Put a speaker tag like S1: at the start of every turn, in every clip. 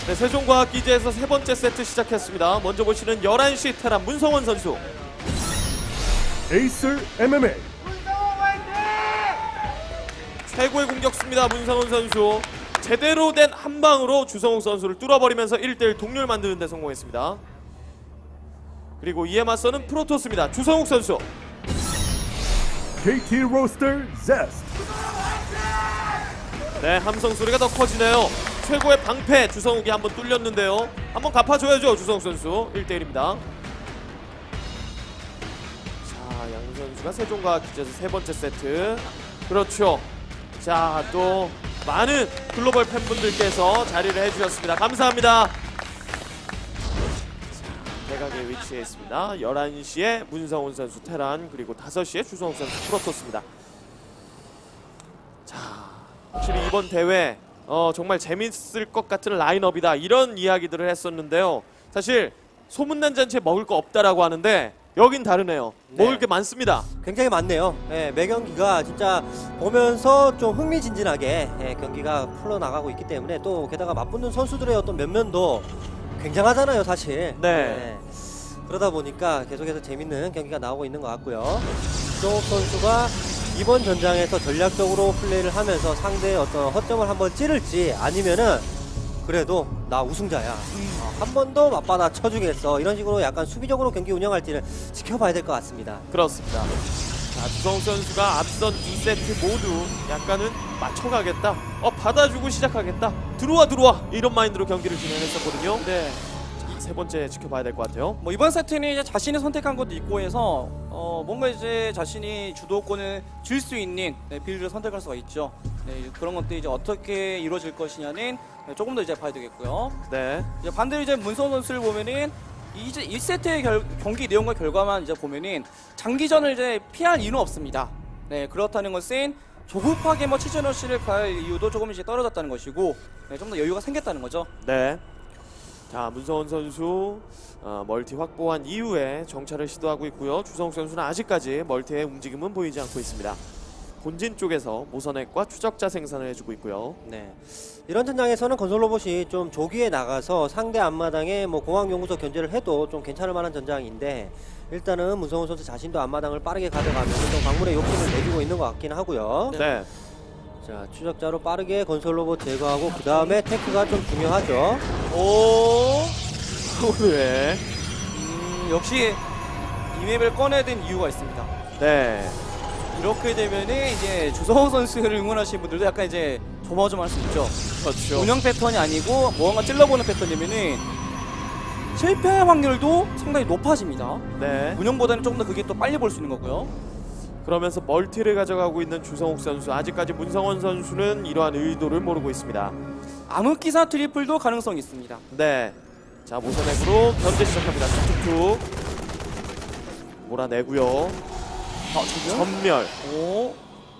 S1: 네, 세종과학기지에서 세 번째 세트 시작했습니다. 먼저 보시는 11시 테란 문성원 선수.
S2: 에이슬 MMA
S1: 최고의 공격수입니다. 문성원 선수. 제대로 된 한 방으로 주성욱 선수를 뚫어버리면서 1대1 동률 만드는 데 성공했습니다. 그리고 이에 맞서는 프로토스입니다. 주성욱 선수.
S2: KT 로스터 제스트
S1: 네, 함성 소리가 더 커지네요. 최고의 방패 주성욱이 한번 뚫렸는데요. 한번 갚아줘야죠. 주성욱 선수 1대1입니다. 자, 양 선수가 세종과학기지에서 세 번째 세트. 그렇죠. 자, 또 많은 글로벌 팬분들께서 자리를 해주셨습니다. 감사합니다. 자, 대각에 위치해 있습니다. 11시에 문성훈 선수 테란, 그리고 5시에 주성욱 선수 프로토스입니다. 자, 확실히 이번 대회 정말 재밌을 것 같은 라인업이다, 이런 이야기들을 했었는데요. 사실 소문난 잔치에 먹을 거 없다라고 하는데 여긴 다르네요.
S3: 네.
S1: 먹을 게 많습니다.
S3: 굉장히 많네요. 예, 매 경기가 진짜 보면서 좀 흥미진진하게 경기가 풀어나가고 있기 때문에, 또 게다가 맞붙는 선수들의 어떤 면면도 굉장하잖아요, 사실.
S1: 네.
S3: 그러다 보니까 계속해서 재밌는 경기가 나오고 있는 것 같고요. 주성욱 선수가 이번 전장에서 전략적으로 플레이를 하면서 상대의 어떤 허점을 한번 찌를지, 아니면은 그래도 나 우승자야, 한 번 더 맞받아 쳐주겠어, 이런 식으로 약간 수비적으로 경기 운영할지를 지켜봐야 될 것 같습니다.
S1: 그렇습니다. 자, 주성욱 선수가 앞선 2세트 모두 약간은 맞춰가겠다, 받아주고 시작하겠다, 들어와 이런 마인드로 경기를 진행했었거든요.
S4: 네.
S1: 자, 세 번째 지켜봐야 될 것 같아요.
S4: 뭐 이번 세트는 이제 자신이 선택한 것도 있고 해서 뭔가 이제 자신이 주도권을 줄 수 있는 빌드를 선택할 수가 있죠. 네, 그런 것들이 이제 어떻게 이루어질 것이냐는 조금 더 이제 봐야 되겠고요.
S1: 네.
S4: 이제 반대로 이제 문성원 선수를 보면은 이제 1세트의 경기 내용과 결과만 이제 보면은 장기전을 이제 피할 이유는 없습니다. 네, 그렇다는 것은 조급하게 뭐 치즈너시를 갈 이유도 조금 이제 떨어졌다는 것이고, 네, 좀 더 여유가 생겼다는 거죠.
S1: 네. 자, 문성원 선수 멀티 확보한 이후에 정찰을 시도하고 있고요. 주성욱 선수는 아직까지 멀티의 움직임은 보이지 않고 있습니다. 본진 쪽에서 모선액과 추적자 생산을 해주고 있고요.
S3: 네. 이런 전장에서는 건설 로봇이 좀 조기에 나가서 상대 앞마당에 뭐 공항연구소 견제를 해도 좀 괜찮을 만한 전장인데, 일단은 문성훈 선수 자신도 앞마당을 빠르게 가져가면서 좀 광물의 욕심을 내주고 있는 것 같긴 하고요.
S1: 네.
S3: 자, 추적자로 빠르게 건설 로봇 제거하고 그 다음에 테크가 좀 중요하죠.
S4: 오,
S1: 네.
S4: 역시 이 맵을 꺼내야 된 이유가 있습니다.
S1: 네.
S4: 이렇게 되면은 이제 주성호 선수를 응원하시는 분들도 약간 이제 조마조마할 수 있죠.
S1: 그렇죠.
S4: 운영 패턴이 아니고 뭔가 찔러보는 패턴이면은 실패 확률도 상당히 높아집니다.
S1: 네.
S4: 운영보다는 조금 더 그게 또 빨리 볼 수 있는 거고요.
S1: 그러면서 멀티를 가져가고 있는 주성욱 선수, 아직까지 문성원 선수는 이러한 의도를 모르고 있습니다.
S4: 암흑기사 트리플도 가능성이 있습니다.
S1: 네. 자, 모선액으로 견제 시작합니다. 툭툭툭 몰아내고요. 전멸.
S4: 오,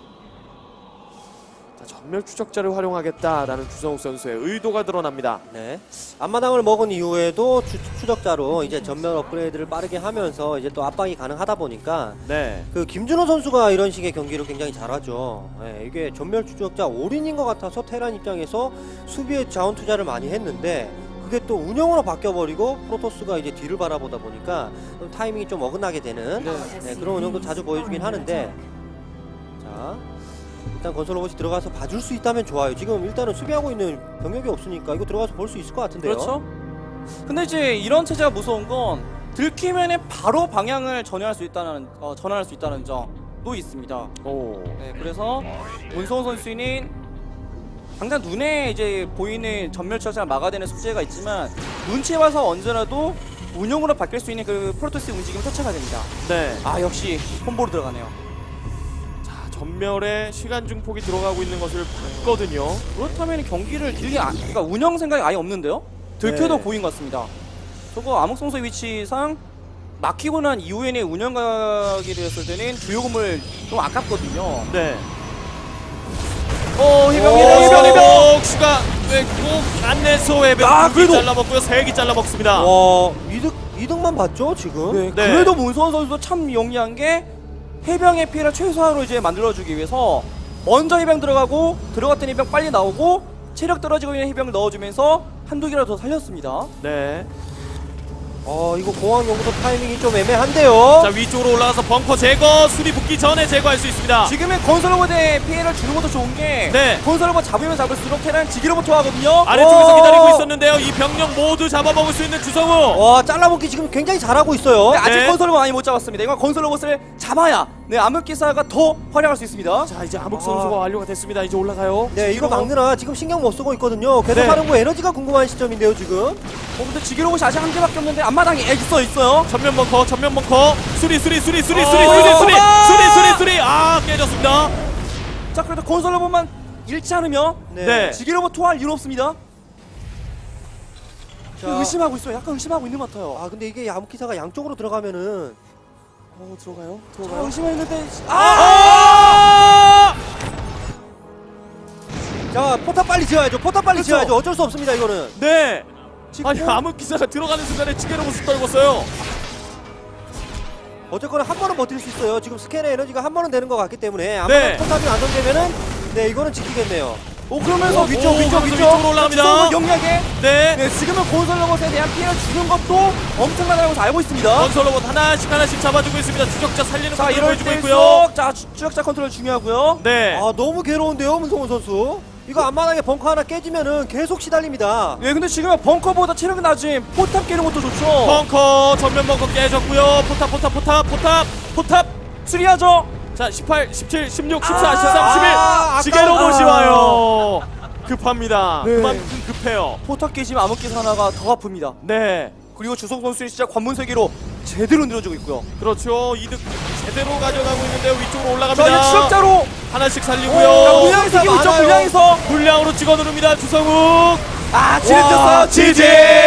S1: 자, 전멸 추적자를 활용하겠다라는 주성욱 선수의 의도가 드러납니다.
S3: 네. 앞마당을 먹은 이후에도 추적자로 이제 전면 업그레이드를 빠르게 하면서 이제 또 압박이 가능하다 보니까,
S1: 네.
S3: 그 김준호 선수가 이런 식의 경기를 굉장히 잘하죠. 네, 이게 전멸 추적자 올인인 것 같아서 테란 입장에서 수비에 자원 투자를 많이 했는데, 그게 또 운영으로 바뀌어버리고 프로토스가 이제 뒤를 바라보다 보니까 좀 타이밍이 좀 어긋나게 되는 그런 운영도 자주 보여주긴 하는데, 자, 일단 건설 로봇이 들어가서 봐줄 수 있다면 좋아요. 지금 일단은 수비하고 있는 병력이 없으니까 이거 들어가서 볼 수 있을 것 같은데요.
S4: 그렇죠. 근데 이제 이런 체제가 무서운 건 들키면은 바로 방향을 전환할 수 있다는 점도 있습니다.
S1: 오.
S4: 네, 그래서 문성호 선수는 당장 눈에 이제 보이는 전멸 추적자를 막아내는 숙제가 있지만, 눈치에 봐서 언제라도 운영으로 바뀔 수 있는 그 프로토스 움직임을 쫓아가야 됩니다.
S1: 네.
S4: 아, 역시 콤보로 들어가네요.
S1: 자, 전멸에 시간 증폭이 들어가고 있는 것을 봤거든요.
S4: 그렇다면 경기를 그러니까 운영 생각이 아예 없는데요? 들켜도
S1: 네.
S4: 고인 것 같습니다. 저거 암흑성소의 위치상 막히고 난 이후에는 운영 가게 되었을 때는 주요 건물 좀 아깝거든요.
S1: 네.
S4: 해병!
S1: 슈가 꼭 안내서 해병
S4: 아, 그래도!
S1: 잘라먹고요. 3개 잘라먹습니다.
S3: 이득만 봤죠 지금.
S4: 네,
S1: 네.
S4: 그래도 문성원 선수도 참 영리한 게 해병의 피해를 최소화로 이제 만들어주기 위해서 먼저 해병 들어가고, 들어갔던 해병 빨리 나오고, 체력 떨어지고 있는 해병을 넣어주면서 한두 개라도 더 살렸습니다.
S1: 네.
S3: 이거 공항 연구소 타이밍이 좀 애매한데요.
S1: 자, 위쪽으로 올라가서 벙커 제거, 수리 붙기 전에 제거할 수 있습니다.
S4: 지금은 건설로봇에 피해를 주는 것도 좋은 게
S1: 네.
S4: 건설로봇 잡으면 잡을수록 테란 지기로부터 하거든요.
S1: 아래쪽에서 기다리고 있었는데요. 이 병력 모두 잡아먹을 수 있는 주성우.
S3: 와, 잘라먹기 지금 굉장히 잘하고 있어요.
S4: 네, 아직
S1: 네.
S4: 건설로봇 많이 못 잡았습니다. 이건 건설로봇을 잡아야 암흑기사가 더 활약할 수 있습니다.
S1: 자, 이제 암흑 선수가 완료가 됐습니다. 이제 올라가요.
S3: 네, 이거 막느라 지금 신경 못 쓰고 있거든요. 계속
S1: 네.
S3: 하는 거 에너지가 궁금한 시점인데요, 지금.
S4: 근데 지기로봇이 아직 한 개밖에 없는데 앞마당에 있어요.
S1: 전면 벙커, 전면 벙커. 수리. 아, 깨졌습니다.
S4: 자, 그래도 건설로봇만 잃지 않으면
S1: 네.
S4: 지기로봇 토할 이유 없습니다.
S3: 자,
S4: 의심하고 있어요. 약간 의심하고 있는 것 같아요.
S3: 근데 이게 암흑기사가 양쪽으로 들어가면은
S1: 들어가요.
S4: 자, 의심했는데
S3: 자, 포탑 빨리 지어야죠. 포탑 빨리
S4: 그렇죠.
S3: 지어야죠. 어쩔 수 없습니다, 이거는.
S1: 네.
S4: 지금
S1: 아니, 암흑 기사가 들어가는 순간에 지게로봇을 떨궜어요.
S3: 어쨌거나 한 번은 버틸 수 있어요. 지금 스캔의 에너지가 한 번은 되는 것 같기 때문에 아마
S1: 네.
S3: 포탑이 완성되면은 네, 이거는 지키겠네요.
S4: 그러면서
S1: 위쪽으로 올라갑니다.
S4: 주성은 영리하게
S1: 네.
S4: 지금은 건설로봇에 대한 피해를 주는 것도 엄청나다는 것을 알고 있습니다.
S1: 건설 로봇 하나씩 잡아주고 있습니다. 추적자 살리는
S4: 자,
S1: 것을
S4: 이럴
S1: 보여주고 있고요.
S4: 때일수록 자, 추적자 컨트롤 중요하고요.
S1: 네.
S3: 너무 괴로운데요, 문성훈 선수. 이거 앞마당에 벙커 하나 깨지면은 계속 시달립니다.
S4: 네, 근데 지금은 벙커보다 체력이 낮은 포탑 깨는 것도 좋죠.
S1: 벙커 전면 벙커 깨졌고요. 포탑.
S4: 수리하죠.
S1: 자, 18, 17, 16, 14, 13,
S3: 아,
S1: 11. 지게로봇이
S4: 아까워.
S1: 와요. 급합니다.
S4: 네.
S1: 그만큼 급해요.
S4: 포탑 깨지면 암흑기사 하나가 더 아픕니다.
S1: 네.
S4: 그리고 주성 선수는 진짜 관문 세계로 제대로 늘어지고 있고요.
S1: 그렇죠. 이득 제대로 가져가고 있는데요. 위쪽으로
S4: 자,
S1: 올라갑니다.
S4: 이제 추적자로
S1: 하나씩
S3: 오,
S1: 살리고요.
S4: 물량에서 이기고 있죠.
S3: 많아요.
S4: 물량에서
S1: 물량으로 찍어 누릅니다. 주성욱.
S4: 지렛졌어요.
S1: 지지.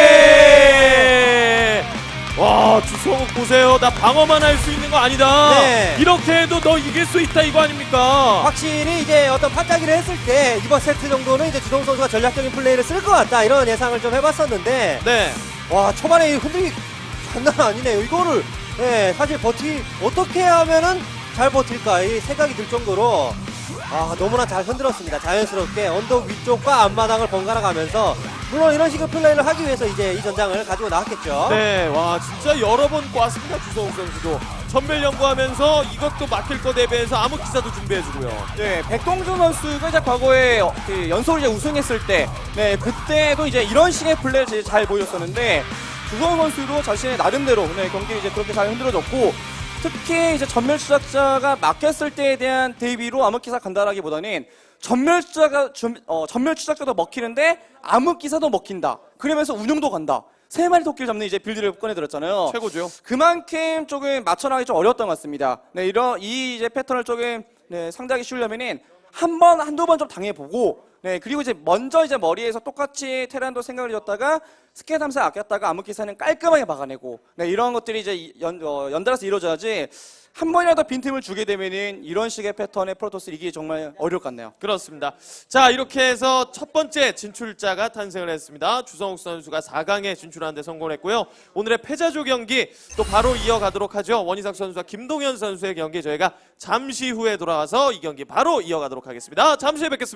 S1: 와, 주성욱 보세요. 나 방어만 할 수 있는 거 아니다.
S3: 네.
S1: 이렇게 해도 너 이길 수 있다 이거 아닙니까?
S3: 확실히 이제 어떤 판짜기를 했을 때 이번 세트 정도는 이제 주성 선수가 전략적인 플레이를 쓸 것 같다 이런 예상을 좀 해봤었는데
S1: 네.
S3: 와, 초반에 이 흔들기 장난 아니네요. 이거를 사실 어떻게 하면은 잘 버틸까 이 생각이 들 정도로 너무나 잘 흔들었습니다. 자연스럽게 언덕 위쪽과 앞마당을 번갈아 가면서 물론 이런 식의 플레이를 하기 위해서 이제 이 전장을 가지고 나왔겠죠.
S1: 네, 와 진짜 여러 번 꽈습니다. 주성욱 선수도 전멸 연구하면서 이것도 막힐 거 대비해서 암흑 기사도 준비해주고요.
S4: 네, 백동준 선수가 이제 과거에 그 연속으로 이제 우승했을 때, 네, 그때도 이제 이런 식의 플레이를 이제 잘 보였었는데, 주성 선수도 자신의 나름대로 경기를 이제 그렇게 잘 흔들어줬고, 특히 이제 전멸 추적자가 막혔을 때에 대한 대비로 암흑기사 간다라기보다는 전멸 추적자도 먹히는데 암흑기사도 먹힌다. 그러면서 운용도 간다. 세 마리 토끼를 잡는 이제 빌드를 꺼내들었잖아요.
S1: 최고죠.
S4: 그만큼 조금 맞춰나가기 좀 어려웠던 것 같습니다. 네, 이 이제 패턴을 조금 상대하기 쉬우려면은 한두 번 좀 당해보고, 네, 그리고 이제 먼저 이제 머리에서 똑같이 테란도 생각을 해줬다가 스캔 탐사 아꼈다가 암흑기사는 깔끔하게 막아내고, 네, 이런 것들이 이제 연달아서 이루어져야지 한 번이라도 빈틈을 주게 되면은 이런 식의 패턴의 프로토스 이기기 정말 어려울 것 같네요.
S1: 그렇습니다. 자, 이렇게 해서 첫 번째 진출자가 탄생을 했습니다. 주성욱 선수가 4강에 진출하는 데 성공했고요. 오늘의 패자조 경기 또 바로 이어가도록 하죠. 원희삭 선수와 김동현 선수의 경기 저희가 잠시 후에 돌아와서 이 경기 바로 이어가도록 하겠습니다. 잠시 후에 뵙겠습니다.